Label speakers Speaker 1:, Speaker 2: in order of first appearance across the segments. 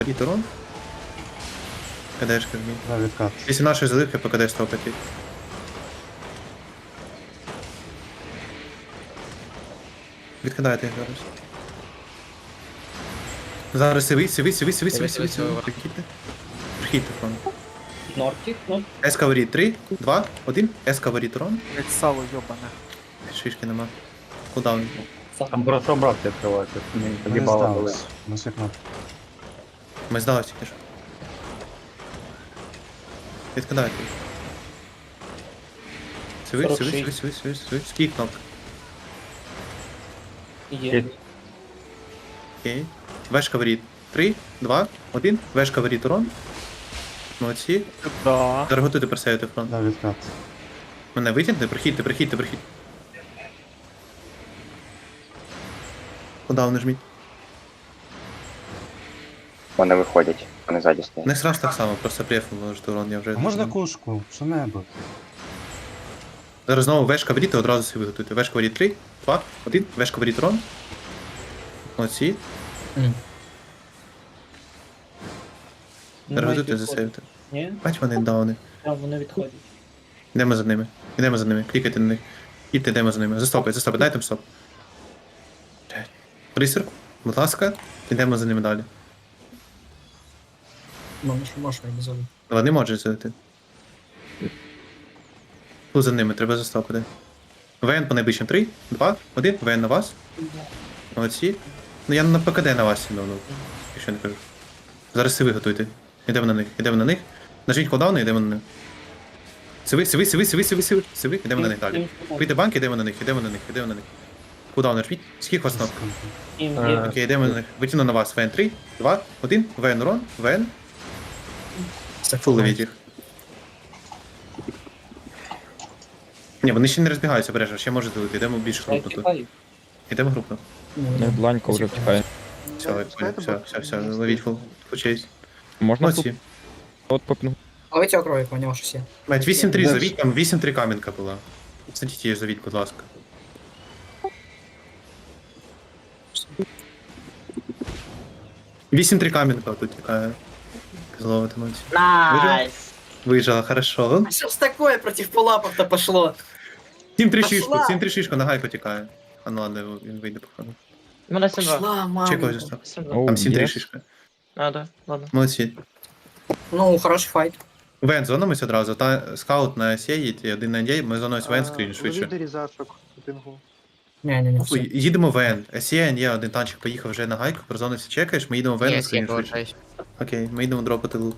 Speaker 1: Рід урон. КДшка вмій.
Speaker 2: Да, відкат.
Speaker 1: Після нашої заливки по КД стопити. Відкидайте їх зараз. Зараз сиви. Прихідьте. Прихідьте фронт.
Speaker 3: Нортик, ну,
Speaker 1: Ескаворіт 3, 2, 1. Ескаворіт урон.
Speaker 4: Блять, сало йобане.
Speaker 1: Шишки нема. Кулдаун.
Speaker 2: Там просто обратки відкриваються. Мені тоді
Speaker 1: Вони
Speaker 2: бала
Speaker 1: здались.
Speaker 2: були. На світло.
Speaker 1: Ми здалися тільки що. Відкидайте їх. Сиви. Скільки кнопок?
Speaker 3: є.
Speaker 1: Окей. Вешка воріт. 3, 2, 1. Вешка воріт урон. Молодці.
Speaker 4: Да.
Speaker 1: Зараз готуйте персеяти фронт.
Speaker 2: Да, відкат.
Speaker 1: Мене витягнете, прихідьте. Кулдаун нажміть.
Speaker 5: Вони виходять, вони ззаді стоять.
Speaker 1: Не раз так само, просто преф можете урон, я вже...
Speaker 2: А можна кушку? Що-небудь?
Speaker 1: Зараз знову вешка воріт і одразу собі готуйте. Вешка воріт 3, 2, 1. Вешка воріт урон. Молодці. Зараз готуйте засейвити.
Speaker 3: Ні,
Speaker 1: Бач, вони дауни.
Speaker 3: там вони відходять.
Speaker 1: Йдемо за ними. Клікайте на них. Йдемо за ними. Застопай, дайте їм стоп. Присірку, будь ласка, йдемо за ними далі.
Speaker 3: Ну, що можна не зробити.
Speaker 1: Вони можуть зайти. Тут за ними, треба застопити. ВН по найближчим 3, 2, 1, ВН на вас. Молодці. Ну я на ПКД на вас сіду, ну, якщо не кажу. Зараз сиви готуйте. Йдемо на них. Нажміть кулдаун і йдемо на них. Сиви, йдемо на них далі. Вийде банк, йдемо на них. Кулдаун нажміть. Скільки вас ног? Окей, йдемо на них. Витягну на вас. ВН 3, 2, 1, ВН урон, ВН. Фул ловіть їх. Ні, вони ще не розбігаються, бережно, ще може залити. Йдемо більш групно тут. Йдемо групно.
Speaker 6: Бланька вже втікає.
Speaker 1: Все, ловіть фул чейс.
Speaker 6: Можна
Speaker 1: Молодці.
Speaker 6: тут попінгу?
Speaker 3: Ловить окровик, у нього щось є.
Speaker 1: Мать, 8-3 завіть, там 8-3 камінка була. Садіть її завіть, будь ласка. Вісім-3 камінка тут тікає. Зловити, молодці.
Speaker 3: Найс!
Speaker 1: Вижила, хорошо.
Speaker 3: А что ж такое против пулапов-то пошло?
Speaker 1: 7-3 шишку,
Speaker 3: Пошла!
Speaker 1: 7-3 шишку, на гайку тікає. А ну ладно, він вийде походу.
Speaker 7: У мене 7-2.
Speaker 3: Пошла,
Speaker 1: Чекай,
Speaker 3: мама.
Speaker 1: застав.
Speaker 7: 7-2.
Speaker 6: Оу,
Speaker 1: Там 7-3
Speaker 6: є.
Speaker 1: шишка.
Speaker 7: А, да, ладно.
Speaker 1: Молодці.
Speaker 3: Ну, хороший файт.
Speaker 1: Вен, зонимось одразу. Та скаут на сє їдь, і один на дій, ми зонимось Вен скрін швидше.
Speaker 8: Різачок у пінгу.
Speaker 3: Не, все.
Speaker 1: Їдемо Вен. СЄ, є один танчик поїхав вже на гайку, прозонився, чекаєш, ми їдемо Вен на скрін швидше. Окей, ми йдемо дропати лук.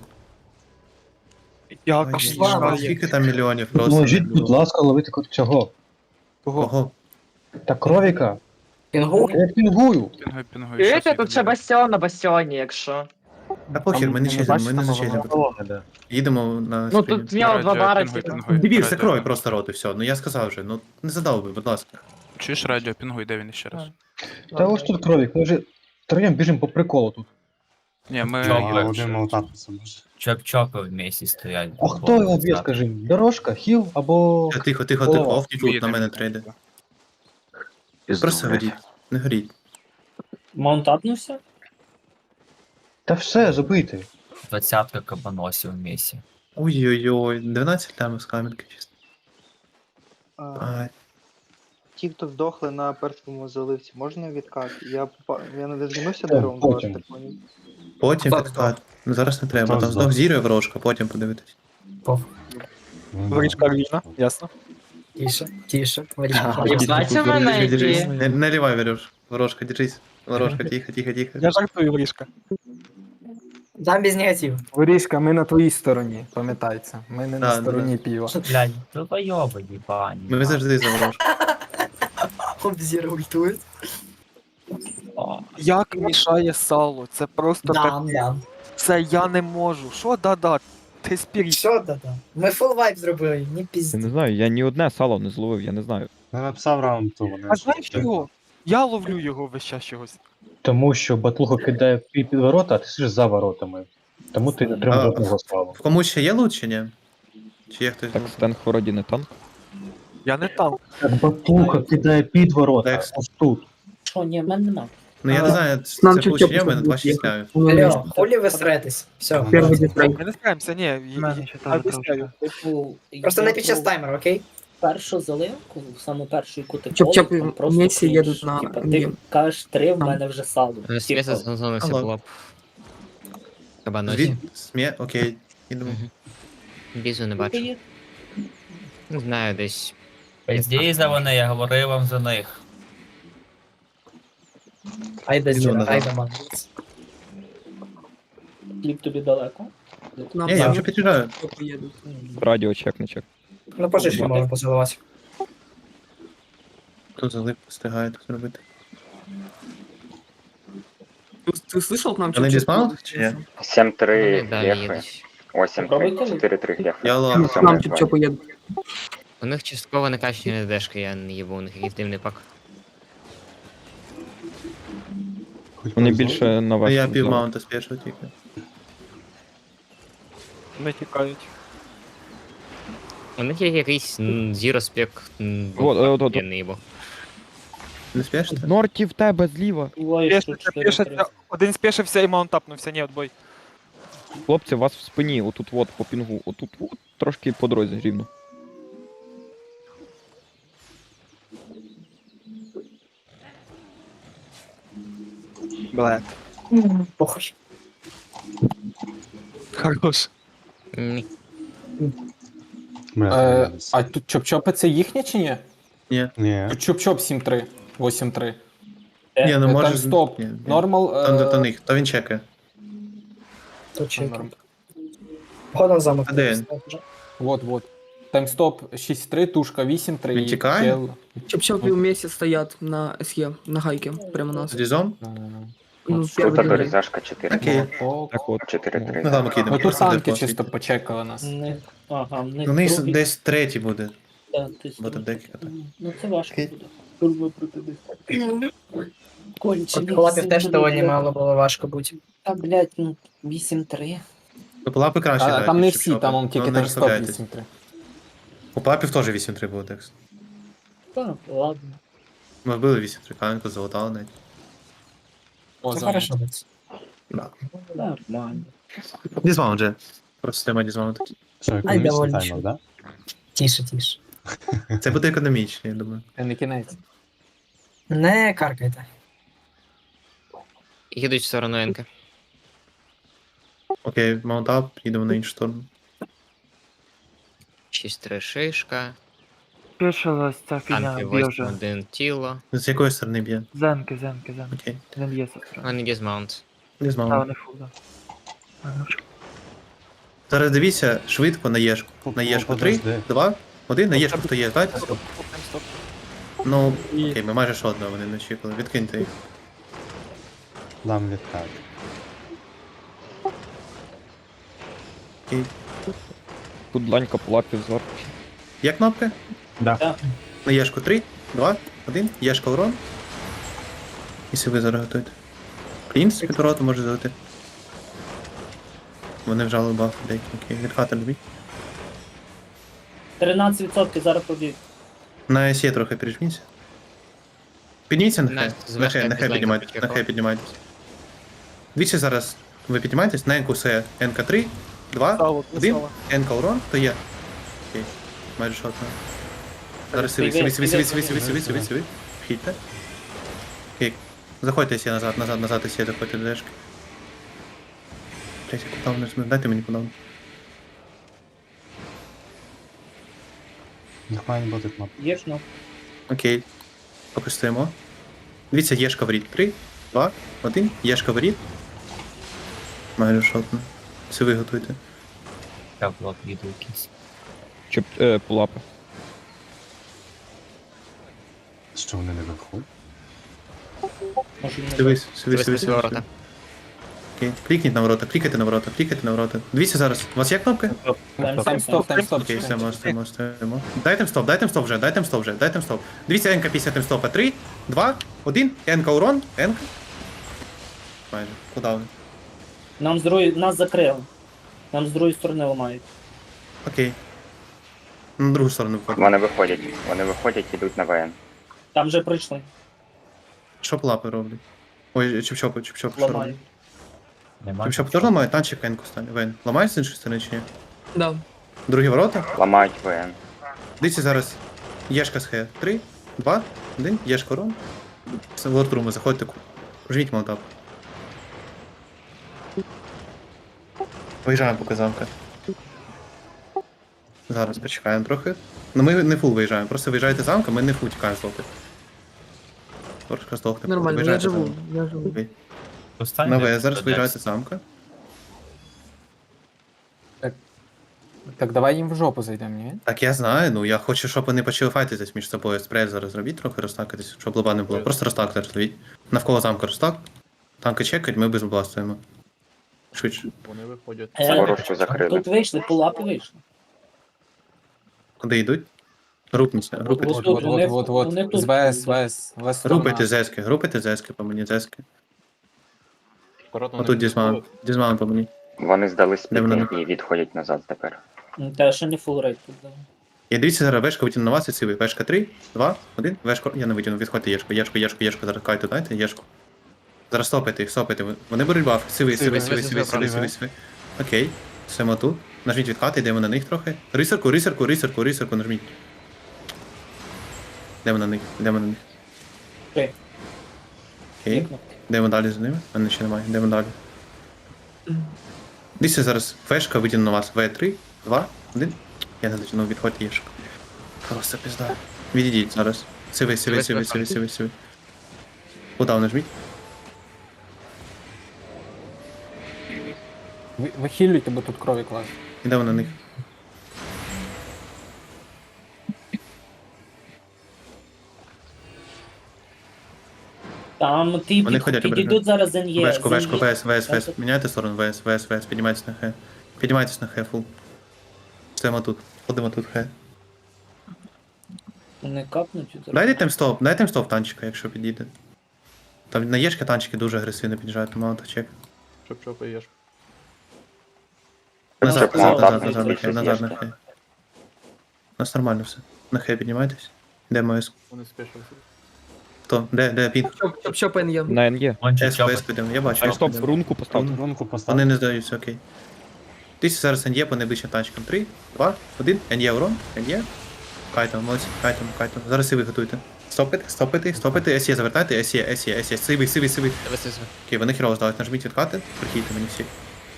Speaker 4: Як
Speaker 3: Пошла,
Speaker 4: мішає.
Speaker 3: Ваня.
Speaker 1: Скільки там мільйонів просто.
Speaker 2: Поможіть, будь ласка, ловити цього.
Speaker 1: Кого?
Speaker 2: Та кровіка.
Speaker 3: Пінгу?
Speaker 2: Я пінгую.
Speaker 7: Чуєте, тут ще бастіон на бастіоні, якщо.
Speaker 1: Та похер, ми не чеземо, ми не зачеземо. Їдемо на
Speaker 7: Ну
Speaker 1: скрін.
Speaker 7: тут в нього два бари.
Speaker 1: Дебіл, закрой просто рот і все. Ну я сказав вже, ну не задав би, будь ласка.
Speaker 8: Чуєш радіо, пінгуй, де він ще раз?
Speaker 2: Та ось тут кровік, ми вже троєм біжимо по приколу тут.
Speaker 8: Ні, ми...
Speaker 9: Чого?
Speaker 2: Один молотатися може.
Speaker 9: Чоп-чопы вместе стоять.
Speaker 2: А хто його б'є, скажи? Дорожка, хіл або...
Speaker 1: Тихо,
Speaker 2: О,
Speaker 1: офніть лут на мене трейде. Просто горіть, не горіть.
Speaker 3: Маунт апнувся?
Speaker 2: Та все, забити.
Speaker 9: 20-ка кабаносів вместе.
Speaker 1: Ой-ой-ой, 12 лямів з камінки чисто. Ай.
Speaker 8: Ті, хто здохли на першому заливці, можна відкат? Я не дозвонився
Speaker 2: Так,
Speaker 8: до раунд,
Speaker 2: потім.
Speaker 8: так поняв.
Speaker 1: Потім
Speaker 3: Так,
Speaker 1: підклад. Ну зараз не треба,
Speaker 2: Хто
Speaker 1: там
Speaker 2: здох?
Speaker 1: знов зірує ворожка, потім подивитись.
Speaker 4: Ворічка Львіна, ясно.
Speaker 3: Тише.
Speaker 7: Знаєте в мене які?
Speaker 1: Не наливай, Варюш. Ворожка, держись. Ворожка, тихо.
Speaker 4: Я жартую, Ворічка.
Speaker 3: Там без негативу.
Speaker 10: Ворішка, ми на твоїй стороні, пам'ятається. Ми не
Speaker 1: Да,
Speaker 10: на стороні піва.
Speaker 9: Блядь, долбоёбы ебани.
Speaker 1: Ми завжди за ворожку.
Speaker 3: Обзір ультует.
Speaker 4: Як мішає сало? Це просто
Speaker 3: Да.
Speaker 4: Це я не можу. Що да-да? Ти спіріть.
Speaker 3: Що да-да? Ми фул вайп зробили, не
Speaker 6: Я
Speaker 3: пізді.
Speaker 6: не знаю, я ні одне сало не зловив, я не знаю.
Speaker 2: Не написав раунд, то вони.
Speaker 4: А знаєш чого? Я ловлю його весь час чогось.
Speaker 2: Тому що батлуга кидає під ворота, а ти сидиш за воротами. Тому ти не
Speaker 1: А,
Speaker 2: отримав жодного славу.
Speaker 1: В комусь ще є лут чи ні? Чи є хтось?
Speaker 6: Так, Стенг вроді не танк.
Speaker 4: Я не танк.
Speaker 2: Так батлуга кидає під ворота,
Speaker 1: Так.
Speaker 2: ось тут.
Speaker 3: Що, ні, в мене нема.
Speaker 1: Ну я не знаю,
Speaker 10: Нам
Speaker 1: це
Speaker 10: чуть-чуть
Speaker 1: получення в мене
Speaker 10: буде
Speaker 1: 2 лямів.
Speaker 3: Алло, хулі ви стретесь? Все.
Speaker 10: Перший дистрейк.
Speaker 4: Ми не справимося, ні. Я об'ясняю.
Speaker 11: Типу,
Speaker 3: Просто не під час таймера, окей?
Speaker 11: першу заливку, в саму першу, яку ти
Speaker 10: Чоп-чоп
Speaker 11: колиш, там просто
Speaker 10: вместе
Speaker 11: крінж.
Speaker 10: їдуть на
Speaker 11: Типа, ти
Speaker 10: М'єм.
Speaker 11: кажеш 3, в мене вже сало.
Speaker 12: Стреса зонився
Speaker 1: Алло.
Speaker 12: було б. Кабаносі.
Speaker 1: Окей, ідемо.
Speaker 12: Бізу не бачу. Не знаю, десь.
Speaker 9: Пиздій за вони, я говорив вам за них.
Speaker 3: Айда
Speaker 1: Іду
Speaker 3: зіра,
Speaker 1: назад.
Speaker 3: айда ман.
Speaker 11: Хліб тобі далеко.
Speaker 10: Нам
Speaker 1: Ні, я вже під'їжджаю.
Speaker 10: поїдуть.
Speaker 6: Радіо чек, не чек.
Speaker 3: Ну пожишки можна поцілувати.
Speaker 1: Тут залип встигає тут зробити.
Speaker 10: Ты слышал к нам
Speaker 1: Вони
Speaker 10: чоп-чоп
Speaker 1: дізмаунт
Speaker 10: їдуть?
Speaker 1: чи ні?
Speaker 5: 7-3
Speaker 12: Вони далі
Speaker 5: гефи.
Speaker 12: їдуть.
Speaker 5: Ось 7-3, 4-3 гефи.
Speaker 1: Я
Speaker 10: К
Speaker 1: лав.
Speaker 10: нам чоп-чоп їдуть.
Speaker 12: У них частково накачані дешки, я не їбу, у них якийсь дивний пак.
Speaker 6: Вони більше на
Speaker 1: Ну
Speaker 6: вас.
Speaker 1: я пів маунта спішив тільки.
Speaker 4: Не тікають.
Speaker 12: У них є якийсь зіро спек.
Speaker 6: От.
Speaker 12: Я не їбу.
Speaker 1: Не спішите?
Speaker 6: Норті в тебе зліва.
Speaker 4: Пішиться. Один спішився і маунтапнувся, ні, отбой.
Speaker 6: Хлопці, у вас в спині, отут от по пінгу, отут от, трошки по дорозі рівно.
Speaker 4: Блет.
Speaker 3: Похуй.
Speaker 4: Хорош.
Speaker 12: Ні.
Speaker 10: А тут чоп-чопи це їхні чи ні?
Speaker 1: Ні.
Speaker 10: Тут чоп-чоп 7-3, 8-3.
Speaker 1: Ні, ну може...
Speaker 10: Таймстоп.
Speaker 1: Ні, ні.
Speaker 10: Нормал.
Speaker 1: Там де то них, то він чекає.
Speaker 3: Тут чеки.
Speaker 10: Норм.
Speaker 3: Походу замок.
Speaker 1: А де він?
Speaker 10: Вот. Таймстоп 6-3, тушка 8-3.
Speaker 1: Він тікає?
Speaker 10: Чоп-чопи вместе стоять на СЕ, на гайке, прямо нас.
Speaker 1: З дізом?
Speaker 10: Ну,
Speaker 5: Тут
Speaker 10: первый день.
Speaker 5: дорізашка 4.
Speaker 1: Окей.
Speaker 6: Так от.
Speaker 5: 4-3.
Speaker 1: Ну замок їдемо.
Speaker 10: Ну тут танки
Speaker 1: Просто
Speaker 10: чисто почекали нас.
Speaker 11: Ага, в них
Speaker 1: Ну, них
Speaker 11: другий,
Speaker 1: десь третій буде.
Speaker 11: та, ти
Speaker 1: Бо там декілька. так.
Speaker 11: Ну це важко
Speaker 1: Окей.
Speaker 11: буде. Турбо проти них. Кончені.
Speaker 3: От хлопів теж
Speaker 11: всі
Speaker 3: доволі
Speaker 11: будуть,
Speaker 3: мало було важко бути.
Speaker 11: Та, блядь, ну, 8-3.
Speaker 1: Ну, по лапи краще
Speaker 10: А,
Speaker 1: грають,
Speaker 10: там не
Speaker 1: ніж
Speaker 10: всі,
Speaker 1: Чоп-Чопи.
Speaker 10: там он тільки
Speaker 1: Ну, не
Speaker 10: таймстоп
Speaker 1: розслабляйтесь.
Speaker 10: 8-3.
Speaker 1: У папів теж 8-3 було текст.
Speaker 11: Та, ладно.
Speaker 1: Ми вбили 8-3, каменку залутали навіть.
Speaker 10: О,
Speaker 3: Це
Speaker 10: замок.
Speaker 3: хорошо буде.
Speaker 1: Да.
Speaker 11: Нормально.
Speaker 1: Дізмаунт же. Просто тема дізмаунт.
Speaker 3: Ай, доволі. Тише, тише.
Speaker 1: Це буде економічно, я думаю.
Speaker 10: Це не кінець.
Speaker 3: Не каркайте.
Speaker 12: Їдуть в сторону Енка.
Speaker 1: Окей, маунтап, їдемо на іншу сторону.
Speaker 12: 6-3 шишка.
Speaker 4: Пішилась ця фігня,
Speaker 12: Танки
Speaker 4: б'є
Speaker 12: 8-1 тіло.
Speaker 1: З якої сторони б'є?
Speaker 4: Зенки.
Speaker 1: Окей.
Speaker 4: Не б'є сестра.
Speaker 12: У мене дізмаунт.
Speaker 4: Та
Speaker 1: Дізмаунт.
Speaker 4: вони фул, да.
Speaker 1: Зараз дивіться швидко на Єшку. На Єшку 3, 2, 1, на Єшку хто є, дайте.
Speaker 4: Стоп.
Speaker 1: Ну, окей, ми майже жодного вони не очікували. Відкиньте їх.
Speaker 2: Дам відкат.
Speaker 1: Окей.
Speaker 6: Тут дланька по лапі взор.
Speaker 1: Є кнопки?
Speaker 10: Да.
Speaker 1: На Єшку 3, 2, 1, Єшка урон. Якщо ви зараз готуєте. Клінс під вороту може залити. Вони вжали баф деякі. Окей, відхати любіть.
Speaker 11: 13% зараз побіг.
Speaker 1: На СЄ трохи пережміться. Підніміться на
Speaker 12: На-
Speaker 1: хай.
Speaker 12: зверху
Speaker 1: На хай
Speaker 12: якось
Speaker 1: піднімайтесь.
Speaker 12: лайнер
Speaker 1: На хай піднімайтесь. Дивіться зараз. Ви піднімаєтесь на НК СЕ. НК 3, 2,
Speaker 4: Сало,
Speaker 1: 1.
Speaker 4: сало.
Speaker 1: НК урон, то є. Окей. Майже шотно. Зараз сиви. Вхідьте. Окей. Заходьте СЄ назад СЄ, заходьте до дешки. Блять, я кудаун не жму. Дайте мені кудаун.
Speaker 2: Їх має бути кнопка.
Speaker 11: Є ж, ну.
Speaker 1: Окей. Поки стоїмо. Дивіться, Єшка в рід. 3, 2, 1. Єшка в рід. Майже шотно. Це ви готуйте.
Speaker 9: Я блок їду якийсь.
Speaker 6: Чоп, по лапи.
Speaker 2: Що вони не виходять?
Speaker 11: Може, не
Speaker 1: Дивись,
Speaker 12: Дивись на ворота.
Speaker 1: Окей. Клікніть на ворота, клікайте на ворота, клікайте на ворота. Дивіться зараз. У вас є кнопки?
Speaker 10: Таймстоп.
Speaker 1: Окей, все, можемо. Дайте стоп вже. Дивіться, НК 50 стопа. 3, 2, 1. НК урон. НК. Майже. Кудаун.
Speaker 11: Нас закрили. Нам з другої сторони ламають.
Speaker 1: Окей. На другу сторону входимо.
Speaker 5: Вони виходять, ідуть на ВН.
Speaker 11: Там вже прийшли.
Speaker 1: Що плапи роблять? Ой, чіп-чоп, що робить?
Speaker 11: Ламаю.
Speaker 9: Нема.
Speaker 1: Чіп-чоп теж ламає, танчик енку стане. Вен. Ламає з іншої сторони чи ні?
Speaker 10: Да.
Speaker 1: Другі ворота.
Speaker 5: Ламають ВН.
Speaker 1: Дивіться зараз. Єшка з Х. 3, 2, 1, Єшка урон. В лордруму заходьте. Жміть молотап. Виїжджаємо поки замка. Зараз почекаємо трохи. Ну ми не фул виїжджаємо, просто виїжджаєте з замка, ми не фул тікаємо з лоти. Трошки здохне.
Speaker 10: Нормально, я
Speaker 1: Виїжджайте
Speaker 10: живу.
Speaker 1: замок.
Speaker 10: Я живу.
Speaker 1: Окей.
Speaker 9: Остань,
Speaker 1: На
Speaker 9: де
Speaker 1: В зараз
Speaker 9: ти
Speaker 1: виїжджаєте з замка.
Speaker 2: Так давай їм в жопу зайдемо, ні?
Speaker 1: Так я знаю, ну я хочу, щоб вони почали файтитись між собою. Спрей зараз зробіть трохи, розтакатись, щоб лоба не було. Просто розтак зараз зробіть. Навколо замка розтак. Танки чекають, ми без лоба стоїмо. Швидше.
Speaker 5: Ворожку закрили.
Speaker 11: Тут вийшли, пулапи вийшли.
Speaker 1: Куди йдуть? Групніться, групитись.
Speaker 11: От, от, от, от, от. З
Speaker 2: ВС.
Speaker 1: Групити зески, групити зески по мені, зески. Отут дізмаун. Дізмаун по мені.
Speaker 5: Вони здали
Speaker 1: Де вони?
Speaker 5: спітнінг і відходять назад тепер.
Speaker 11: Та ще не фул рейд тут. Да.
Speaker 1: Я дивіться зараз, вешка витягну на вас і цивий. Вешка 3, 2, 1, вешка. Я не витягну, відходьте Єшку, Єшку, зараз кайте, дайте, Єшку. Зараз стопайте їх, стопайте. Вони беруть баф. Сивий. Окей. Симо тут. Нажміть відкати, йдемо на них трохи. Рисерку, нажміть. Йдемо на них.
Speaker 11: Окей.
Speaker 1: Окей. Йдемо далі за ними. Мене ще немає. Йдемо далі. Дивіться зараз. Фешка витягну на вас. В3, 2, 1. Я не дотягнув, відходьте Єшку. Просто пізда. Відійдіть зараз. Сивий. Удав нажміть.
Speaker 2: Ви хілюйте, бо тут крові клас.
Speaker 1: Йдемо на них.
Speaker 11: Там ті
Speaker 1: Вони ходять обережно.
Speaker 11: підійдуть зараз за НЄ.
Speaker 1: Вешку, ВС. Міняйте сторону, ВС. Піднімайтесь на Х. Піднімайтесь на Х, фул. Стоїмо тут. Ходимо тут Х.
Speaker 11: Не капнуть.
Speaker 1: Дайте таймстоп танчика, якщо підійде. Там на Єшки танчики дуже агресивно під'їжджають, мало то чек.
Speaker 5: Щоб
Speaker 1: Назад
Speaker 5: молотап
Speaker 1: на
Speaker 5: більше з
Speaker 1: Х.
Speaker 5: Єшки.
Speaker 1: У нас нормально все. На Х піднімайтесь. Де МС? Хто? Де пінг?
Speaker 10: Чоп-чоп є.
Speaker 6: На НГ.
Speaker 1: СКС підемо, я бачу.
Speaker 6: Стоп, рунку поставте.
Speaker 2: Рунку постав.
Speaker 1: Вони не здаються, окей. Тисяч зараз НЄ по найближчим танчикам. 3, 2, 1. НЄ урон. НЄ. Кайтом, молодці. Кайтом. Зараз і ви готуйте. Стопити. СЄ завертайте. СЄ. Сивий. Окей, вони хірово здали. Нажміть відкати. Прихійте мені всі.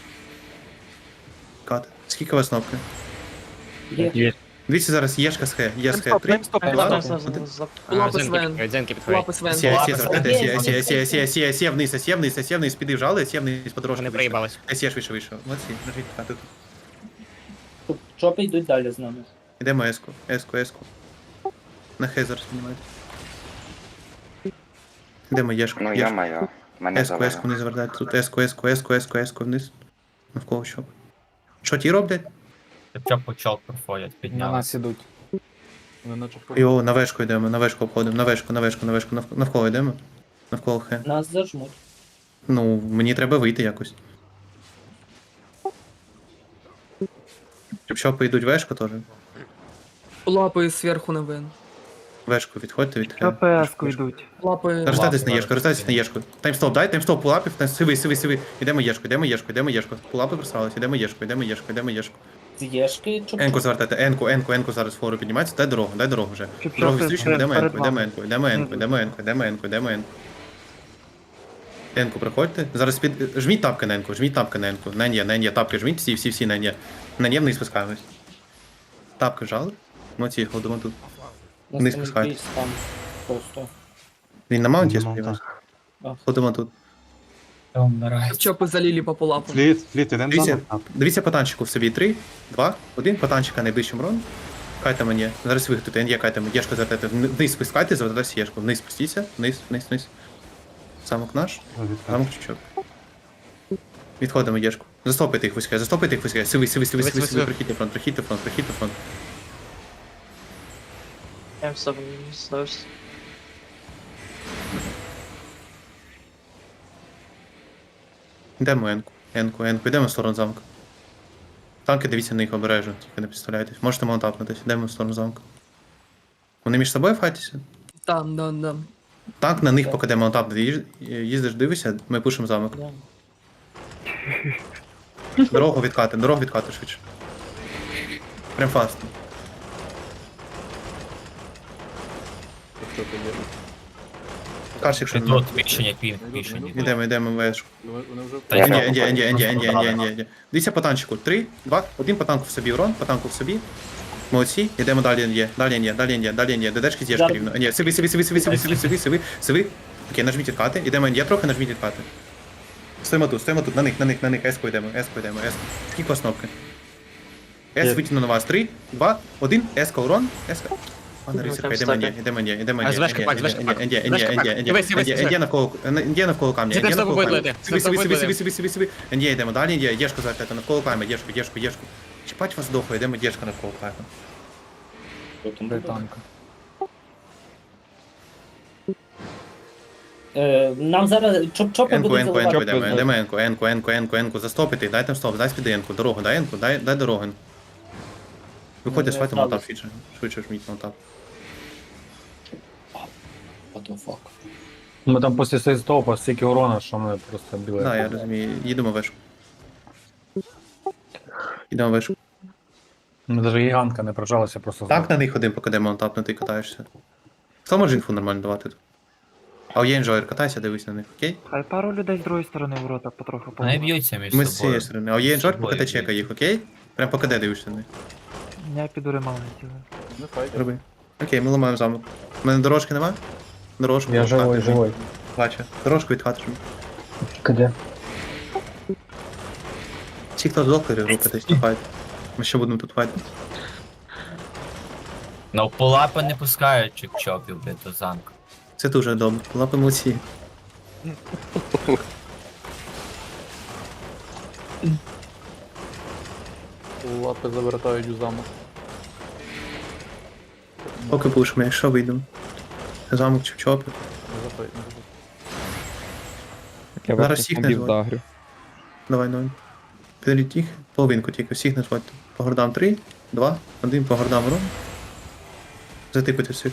Speaker 1: Кати. Скільки у вас кнопки?
Speaker 11: Є.
Speaker 1: Дивіться зараз Єшка з Х. Є з Х. 3,
Speaker 4: Таймстоп.
Speaker 1: 2,
Speaker 10: Лапи Свен.
Speaker 12: Дзенки підходять.
Speaker 10: Лапи Свен.
Speaker 1: СЄ вниз, піди вжали, СЄ вниз подорожку.
Speaker 12: Вони проїбались.
Speaker 1: СЄ швидше вийшов. Молодці, нажміть відкати тут.
Speaker 11: Тут чопи йдуть далі з нами.
Speaker 1: Ідемо еску. На Х зараз піднімайте. Ідемо Єшку.
Speaker 5: Ну я маю. Мене
Speaker 1: Еску
Speaker 5: завалило.
Speaker 1: вниз завертайте. Тут еску вниз. Навколо що? Що ті роблять?
Speaker 9: Чоп почал проходять,
Speaker 2: На
Speaker 9: підняли.
Speaker 2: нас ідуть.
Speaker 1: Йо, на вешку йдемо, на вешку обходимо, на вешку, навколо йдемо. Навколо Х.
Speaker 11: Нас зажмуть.
Speaker 1: Ну, мені треба вийти якось. Щоб йдуть вешку теж.
Speaker 10: Лапи зверху на Вен.
Speaker 1: Вешку відходьте від Х.
Speaker 4: КПС-ку йдуть.
Speaker 10: Лапи.
Speaker 1: Роздайтесь на Єшку. Таймстоп, дай, таймстоп, пулапів, сивий. Ідемо Єшку. Пулапи просрались, ідемо Єшку.
Speaker 11: З Єшки чоп.
Speaker 1: Енку звертайте, енку зараз фору піднімається, дай дорогу вже.
Speaker 4: Щоб
Speaker 1: Дорогу
Speaker 4: чопи
Speaker 1: відстрічно, йдемо
Speaker 4: перед
Speaker 1: енку. Енку приходьте. Зараз жміть тапки на енку. На Нє, тапки жміть, всі на Нє. На Нє вниз спускаємось. Тапки жали. Молодці, ходимо тут. Вниз спускайте.
Speaker 11: Там просто.
Speaker 1: Він на маунті, я
Speaker 2: На
Speaker 1: сподіваюся.
Speaker 11: маунті.
Speaker 1: Ходимо тут.
Speaker 10: Чопи залили по полапу.
Speaker 2: Фліт, ідемо
Speaker 1: Дивіться по танчику в собі. 3, 2, 1. По танчика найближчим рон. Кайте мені. Зараз виготуйте. НЄ кайте мені. Єшку звертайте. Вниз спускайте, звертайте Єшку. Вниз спустіться. Вниз. Замок наш. Замок чучок. Відходимо Єшку. Застопайте їх вузьке. Сивий. Прихідьте фронт. Йдемо енку. Йдемо в сторону замка. Танки дивіться на них обережно, тільки не підставляйтесь. Можете маунтапнутись, йдемо в сторону замка. Вони між собою файтяться?
Speaker 10: Там, да.
Speaker 1: Танк на них покиде маунтап, їздиш, дивишся, ми пушимо замок. Дорогу відкати швидше. Прям фаст. Кажеш, якщо
Speaker 9: Ти тут пішення, пішення.
Speaker 1: Йдемо вешку.
Speaker 9: Та я
Speaker 1: Інді. Дивіться по танчику. 3, 2, 1 по танку в собі урон, по танку в собі. Молодці, йдемо далі Інді. Далі Інді. ДДшки з'єшки рівно. Ні, сиви. Окей, нажміть відкати. Йдемо Інді трохи, нажміть відкати. Стоїмо тут, на них, еску йдемо. Скільки у вас кнопки? С витягну на вас. 3, 2, 1, еска урон, еска. Пане Рицарка, йдемо Інді.
Speaker 12: Звешка пак.
Speaker 1: Інді навколо камня.
Speaker 12: Це просто вибити.
Speaker 1: Сиви. Інді йдемо далі, Інді, Єшку завтра навколо камня, Єшку. Чіпать вас доху, йдемо Єшка навколо камня.
Speaker 11: Нам зараз чоп-чопи
Speaker 1: Енку,
Speaker 11: будуть заливати.
Speaker 1: йдемо енку, застопити, дай там стоп, дай спіди енку, дорогу, дай енку, дай дорогу. Виходьте з файту маунтап швидше жміть маунтап.
Speaker 2: Ми там після сейстопа стільки урона, що ми просто біле.
Speaker 1: Да, я розумію, їдемо вешку.
Speaker 2: Ми навіть гігантка не прожалася, просто
Speaker 1: Так на них один покиде маунтап, ти катаєшся. Хто може інфу нормально давати тут? А є інжойер, катайся, дивись на них, окей?
Speaker 4: Хай пару людей з другої сторони ворота потроху
Speaker 9: Вони б'ються між
Speaker 1: Ми з
Speaker 9: собою.
Speaker 1: цієї сторони. А є інжойер, покиде чека їх, окей? Прям покиде дивишся на них.
Speaker 4: Я піду ремонт.
Speaker 1: Роби. Окей, ми ламаємо замок. У мене дорожки нема? Дорожку.
Speaker 2: Я
Speaker 1: відкати,
Speaker 2: живой.
Speaker 1: Бачу. Дорожку відхати.
Speaker 2: Де?
Speaker 1: Всі, хто здохли, рухатись на файт. Ми ще будемо тут файтити.
Speaker 9: Ну, полапи не пускають чик-чопів, блядь, до замку.
Speaker 1: Це дуже добре. Лапи молодці.
Speaker 8: Лапи завертають у замок.
Speaker 1: Поки пушимо, якщо вийдемо. Замок чи чопи.
Speaker 6: Я
Speaker 1: Зараз
Speaker 6: вас
Speaker 1: всіх
Speaker 6: бомбів
Speaker 1: назвати.
Speaker 6: дагрю.
Speaker 1: Давай. Підеріть їх. Половинку тільки. Всіх назвати. По гордам 3, 2, 1, по гордам урон. Затипити всіх.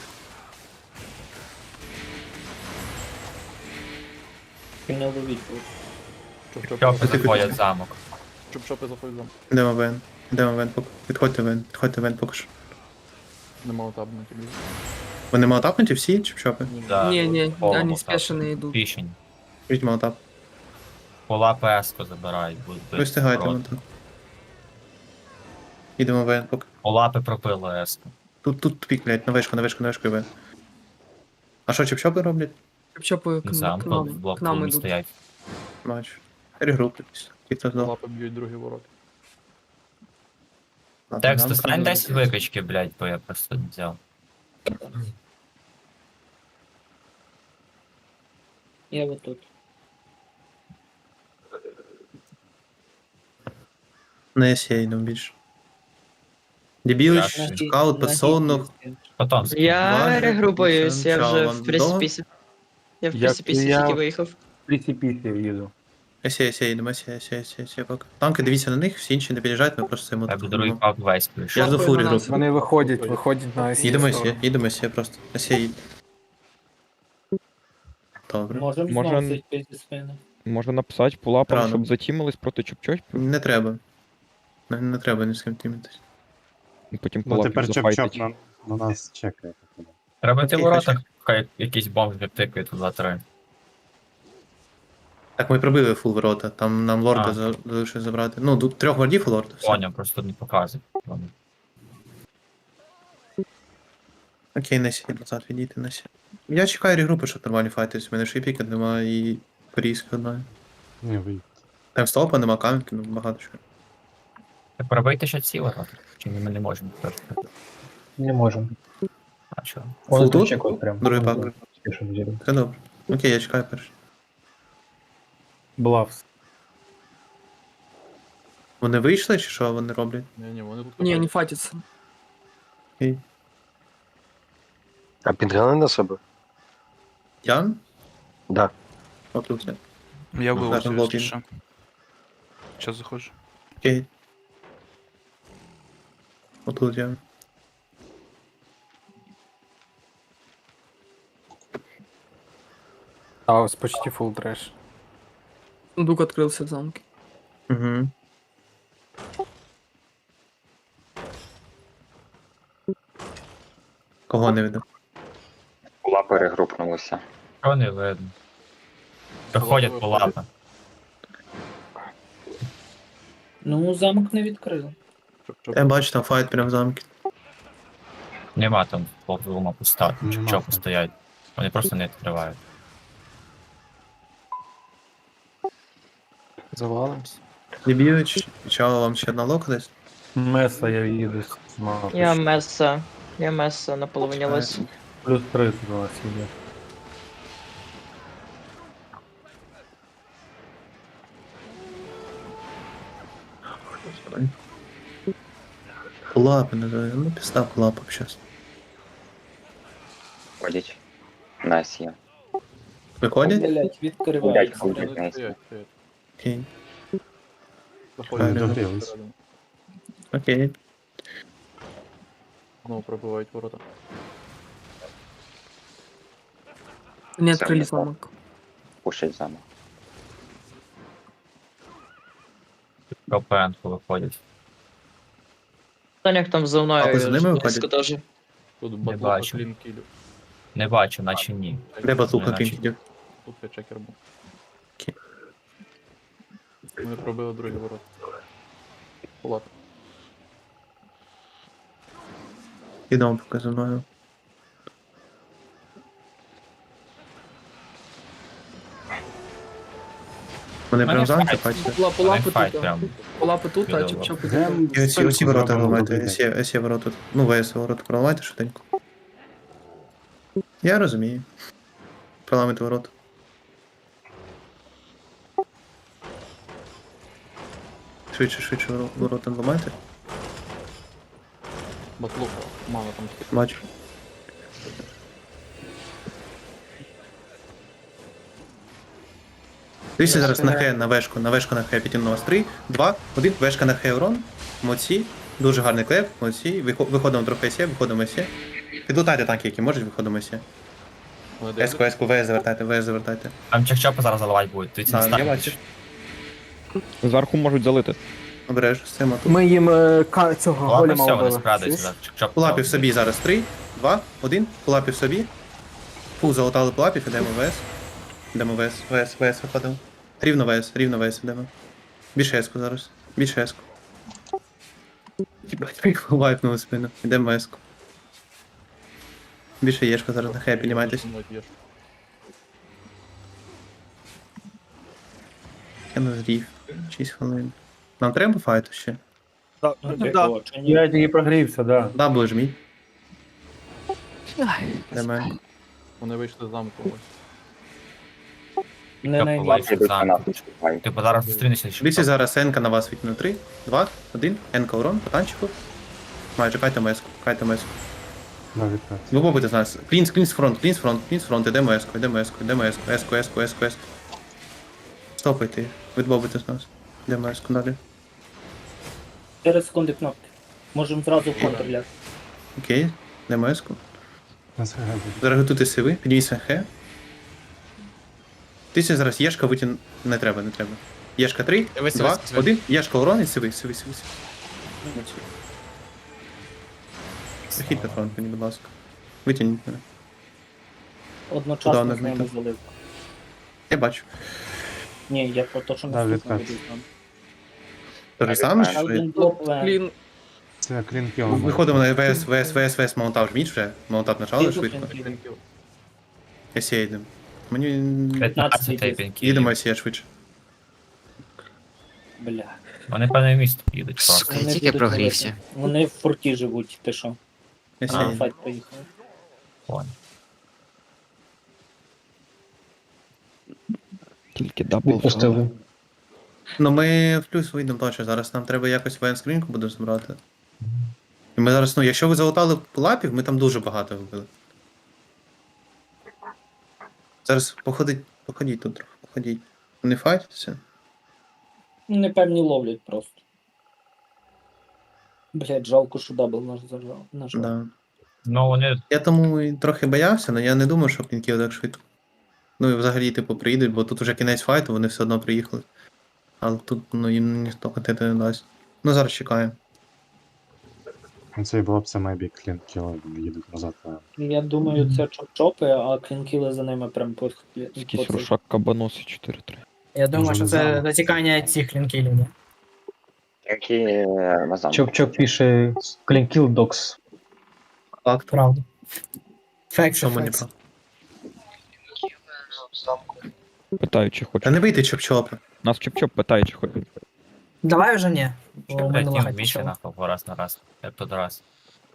Speaker 9: Чопи заходять замок.
Speaker 8: Чоп-чопи заходять в замок.
Speaker 1: Йдемо вен. Підходьте вен поки що.
Speaker 8: Нема табу на тобі.
Speaker 1: Вони малотапнуті всі, чи чопи?
Speaker 9: Да,
Speaker 10: Не,
Speaker 9: повному
Speaker 10: они
Speaker 9: так.
Speaker 10: спешно идут.
Speaker 9: Пішень.
Speaker 1: Візьміть малотап.
Speaker 9: Полапи еско забирають. будуть
Speaker 1: Ви встигайте
Speaker 9: ворот.
Speaker 1: малотап. Йдемо вен поки.
Speaker 9: Полапи пропили еско.
Speaker 1: Тут тупік, блядь, на вишку і вен. А що, чоп-чопи роблять?
Speaker 10: Чопы
Speaker 9: Не
Speaker 10: к
Speaker 9: знаю,
Speaker 10: к
Speaker 9: тут
Speaker 10: нам,
Speaker 9: блок
Speaker 10: к нам
Speaker 9: клубі
Speaker 10: идут.
Speaker 9: стоять.
Speaker 1: Бачу. Регруплюйтесь. Ті, хто здох.
Speaker 8: Лапи б'ють другі ворота.
Speaker 1: Ладно,
Speaker 9: Текст,
Speaker 1: нам
Speaker 9: достань
Speaker 1: треба
Speaker 9: 10 викачки, блядь, бо я просто не взяв.
Speaker 11: Я вот тут.
Speaker 1: На ЕСЄ йдемо більше. Дебілич,
Speaker 9: Так.
Speaker 1: скаут, подсолнух.
Speaker 9: Потім
Speaker 7: Я
Speaker 1: Важно,
Speaker 7: регрупуюсь, я вже
Speaker 1: сначала
Speaker 7: в пресипісі. Я в пресипісі
Speaker 2: я-
Speaker 7: тільки виїхав.
Speaker 2: Прісіпісі їду.
Speaker 1: ЕСЄ йдемо, ЕСЄ поки. Танки, дивіться на них, всі інші не під'їжджають, ми просто цим
Speaker 9: я б другий пак весь
Speaker 1: Я
Speaker 9: прийшов.
Speaker 1: ж до фурі
Speaker 10: на нас.
Speaker 1: групи.
Speaker 2: Вони виходять на СІ.
Speaker 1: Їдемо ЕСЄ просто. ЕСЄ їде. Добре.
Speaker 11: Можемо
Speaker 6: Може-
Speaker 11: знову зайти зі спини.
Speaker 6: Можна написати полапам,
Speaker 1: Рано.
Speaker 6: щоб затімились проти чоп-чопів,
Speaker 1: Не треба. Не треба ні з ким тімитись.
Speaker 6: і потім
Speaker 2: Ну
Speaker 6: полапів
Speaker 2: тепер
Speaker 6: зафайтить.
Speaker 2: чоп-чоп на нас чекає.
Speaker 9: Треба йти в
Speaker 1: Окей,
Speaker 9: воротах, хай якийсь бомб відтикає тут 2-3.
Speaker 1: Так, ми пробили фул ворота, там нам лорда
Speaker 9: А.
Speaker 1: залишилось забрати. Ну, тут 3 вардів у лорда. Все.
Speaker 9: Поняв, просто не показує. Ладно.
Speaker 1: Окей, Несі, назад відійти, Несі. Я чекаю регрупи, щоб нормальні файтись. У мене шипіка немає і порізка одна.
Speaker 2: Не вийде.
Speaker 1: Там стопа, нема камінки, ну багато чого.
Speaker 9: Так пробийте ще ці ворота. Чи ми не можемо тепер?
Speaker 2: Не можемо.
Speaker 9: А чого?
Speaker 2: Вони
Speaker 1: тут?
Speaker 2: тут чекають прям.
Speaker 1: Другий пак.
Speaker 2: Спішимо зірвати.
Speaker 1: Все добре. Окей, я чекаю перший.
Speaker 2: Блавс.
Speaker 1: Вони вийшли чи що вони роблять?
Speaker 8: Ні, вони тут
Speaker 10: Не, они фатятся.
Speaker 1: Окей.
Speaker 5: А підгляни на себе?
Speaker 1: Ян?
Speaker 5: Да.
Speaker 1: Отут я.
Speaker 13: Я
Speaker 1: Зараз
Speaker 13: вилучу,
Speaker 1: блок
Speaker 13: якщо що. Зараз заходжу.
Speaker 1: Окей. Отут я.
Speaker 4: А ось почти фул треш.
Speaker 10: Сундук открылся в замке.
Speaker 1: Угу. Кого не видно?
Speaker 5: Була перегрупнулася.
Speaker 9: Що не видно? Доходять по лапам.
Speaker 11: Ну, замок не відкрив.
Speaker 1: Я бачу там файт прям в замку.
Speaker 9: Нема там полума пуста,
Speaker 2: Нема
Speaker 9: чого
Speaker 2: там.
Speaker 9: постоять. Вони просто не відкривають.
Speaker 4: Завалимось.
Speaker 1: Деб'юч, чого вам ще одна лока десь?
Speaker 2: Меса я їду з мапи.
Speaker 7: Я Месса. Я Месса на половині лис.
Speaker 2: Плюс 30 у нас є.
Speaker 1: Лапи називаю, ну підстав лапок щас.
Speaker 5: Ходять. На СЄ.
Speaker 1: Виходять?
Speaker 11: Блять,
Speaker 5: Ходять,
Speaker 11: відкривається.
Speaker 5: ходять на СЄ.
Speaker 1: Окей.
Speaker 2: Вони догрілись.
Speaker 1: Окей.
Speaker 5: Знову пробивають ворота.
Speaker 10: Не
Speaker 5: Все,
Speaker 10: открыли
Speaker 5: я
Speaker 10: замок.
Speaker 5: Пушать замок.
Speaker 9: КПН виходять.
Speaker 7: Таняк там за мною.
Speaker 1: А ви за ними виходять?
Speaker 7: близько теж.
Speaker 5: Тут
Speaker 9: Не бачу. Не бачу, наче ні.
Speaker 1: Де батлука
Speaker 9: Наче-
Speaker 1: кінь?
Speaker 5: Тут я чекер був.
Speaker 1: Окей.
Speaker 5: Ми пробили другі ворота. Лап.
Speaker 1: Ідемо поки за мною. Вони прям в замку бачите?
Speaker 10: Полапи
Speaker 9: Вони
Speaker 10: тут.
Speaker 9: файт
Speaker 10: да.
Speaker 9: прям.
Speaker 10: Полапи тут, а
Speaker 9: Відомо.
Speaker 10: чоп-чоп.
Speaker 1: І оці ворота ламайте, есі ворота. Ну, ВС ворота проламайте швиденько. Я розумію. Проламайте ворота. Швидше ворота ламайте.
Speaker 5: Батлука. Мало там.
Speaker 1: Бачу. Дивіться зараз на Х, на вешку на Х підтягну вас 3, 2, 1, вешка на Х урон. Молодці. Дуже гарний клеп, молодці. Виходимо трохи СЄ, виходимо СЄ. Підлутайте танки, які можуть, виходимо СЄ. Еску, ВС завертайте.
Speaker 9: Там чек-чопи зараз заливати будуть. Дивіться, не
Speaker 1: Так, я
Speaker 9: станьте.
Speaker 1: бачу.
Speaker 6: Зверху можуть залити.
Speaker 1: Обережно, стоїмо тут.
Speaker 10: Ми їм цього
Speaker 9: Ладно,
Speaker 10: голема
Speaker 9: все, вони
Speaker 10: вбили.
Speaker 9: спрадуються. Чек-чоп.
Speaker 1: Пулапів собі зараз 3, 2, 1, пулапів собі. Фул залутали пулапів, ідемо ВС. Ідемо ВС виходимо. Рівно ВС ідемо. Більше еску зараз. Більше еску. Їбать, вайпнули спину. Ідемо еску. Більше єшка зараз на Х, піднімайтесь. Я не зрів. 6 хвилин. Нам треба файту ще?
Speaker 10: Да.
Speaker 2: Я тільки прогрівся, да.
Speaker 1: Дабл жміть. Йдемо.
Speaker 5: Вони вийшли з замку.
Speaker 11: Не на
Speaker 9: Чек-чоп
Speaker 5: Ідуть на
Speaker 9: замку.
Speaker 5: нас, чекають.
Speaker 9: Типу зараз зустрінешся.
Speaker 1: Дивіться зараз Енка на вас відкину 3, 2, 1. Енка урон, по танчику. Майже, кайте меску.
Speaker 2: Да, відкат.
Speaker 1: Ви побудете з нас. Клінс фронт, ідемо еску. Стопайте, відбобуйте з нас. Ідемо еску далі.
Speaker 11: 4 секунди кнопки. Можемо зразу в контр ляти.
Speaker 1: Окей, ідемо еску.
Speaker 2: Нас грабить.
Speaker 1: Зараз готуйте сиви, підніміться Х. Тисяча зараз Єшка витягн... Не треба. Єшка 3,
Speaker 12: Дивись,
Speaker 1: 2,
Speaker 12: дивись,
Speaker 1: 1. Єшка урон і сиви. Західьте фронт, мені, будь ласка. Витягніть мене.
Speaker 11: Одночасно
Speaker 1: Куди
Speaker 11: з ними
Speaker 1: вона
Speaker 11: залив.
Speaker 1: Я бачу.
Speaker 11: Ні, я про те, що
Speaker 2: Да,
Speaker 11: наступно
Speaker 2: відкат.
Speaker 11: буде там.
Speaker 1: Те ж саме,
Speaker 5: Ще
Speaker 1: що ви...
Speaker 11: Один блок В.
Speaker 10: Клін.
Speaker 2: Це клін кіл.
Speaker 1: Виходимо на ВС, маунтап жміть вже. Маунтап нажали
Speaker 11: Клін,
Speaker 1: швидко.
Speaker 11: клін, клін.
Speaker 1: Есі йдемо. Мені...
Speaker 9: 15 тейпінг.
Speaker 1: Їдемо Есі швидше.
Speaker 11: Бля.
Speaker 9: Вони певне місто їдуть просто.
Speaker 12: Сука, я
Speaker 11: Вони
Speaker 12: тільки
Speaker 11: будуть
Speaker 12: прогрівся.
Speaker 11: робити. Вони в форті живуть, ти що?
Speaker 1: Есі
Speaker 9: А.
Speaker 11: На
Speaker 1: йдемо.
Speaker 11: файт поїхали.
Speaker 9: Понял.
Speaker 6: Тільки дабл.
Speaker 2: Відпустили.
Speaker 1: Ну ми в плюс вийдемо точно. Зараз нам треба якось воєнскринку буде збирати. І ми зараз, ну, якщо ви залутали лапів, ми там дуже багато вбили. Зараз походіть тут трохи, походіть. Не файтеся.
Speaker 11: Непевні ловлять просто. Блять, жалко, що дабл наш зажав.
Speaker 1: Да.
Speaker 9: Ну вони
Speaker 1: Я тому і трохи боявся, але я не думав, що клінків так швидко. Ну і взагалі, типу, приїдуть, бо тут вже кінець файту, вони все одно приїхали. Але тут, ну, їм ніхто контенту не дасть. Ну, зараз чекаємо.
Speaker 2: Цей було б це мейбі клінкіл, їдуть назад.
Speaker 11: Я думаю, це чоп-чопи, а клінкіли за ними прям по
Speaker 6: Якийсь рушак кабаноси 4-3.
Speaker 3: Я думаю,
Speaker 2: Може,
Speaker 3: що
Speaker 2: не
Speaker 3: це
Speaker 2: замок.
Speaker 3: затікання цих лінкілів, ні?
Speaker 2: Чоп-чоп пише клінкіл докс.
Speaker 1: Факт.
Speaker 3: Правда. Фекс,
Speaker 1: Чому не
Speaker 3: фекс.
Speaker 1: прав?
Speaker 6: Питаю, чи
Speaker 1: Та
Speaker 6: хочуть.
Speaker 1: не бийте чоп-чопи.
Speaker 6: Нас чоп-чоп питає, чи хочуть.
Speaker 3: Давай вже ні. Бо
Speaker 9: Що,
Speaker 3: ми
Speaker 9: блядь,
Speaker 3: не
Speaker 9: їм
Speaker 3: лагать
Speaker 9: більше
Speaker 3: почали.
Speaker 9: нахуй раз на раз. Як тут раз.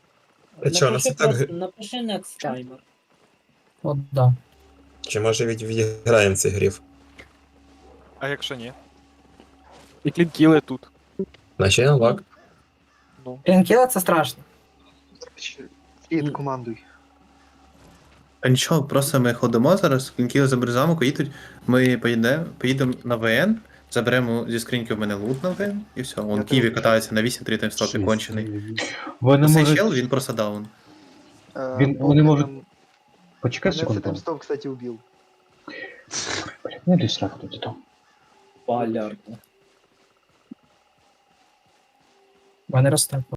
Speaker 11: Напиши next timer.
Speaker 3: От, да.
Speaker 14: Чи може відіграємо цей гриф?
Speaker 4: А якщо ні? І клінкіли тут.
Speaker 14: Наче я лак.
Speaker 3: Лінкіли це страшно.
Speaker 8: Фіт, командуй.
Speaker 1: А нічого, просто ми ходимо зараз, клінкіли заберуть замок, їдуть, ми поїдемо на ВН, заберемо зі скриньки в мене лут на ВН, і все. Он Києві катається на 8-3 таймстопі кончений.
Speaker 2: Вони
Speaker 1: Цей
Speaker 2: можуть...
Speaker 1: чел, він просто даун.
Speaker 2: Вони можуть... Почекай
Speaker 8: Мене
Speaker 2: секунду.
Speaker 8: Таймстоп, кстати, убив.
Speaker 2: Не йди сраку тоді там.
Speaker 11: Полярно.
Speaker 3: Вони росте.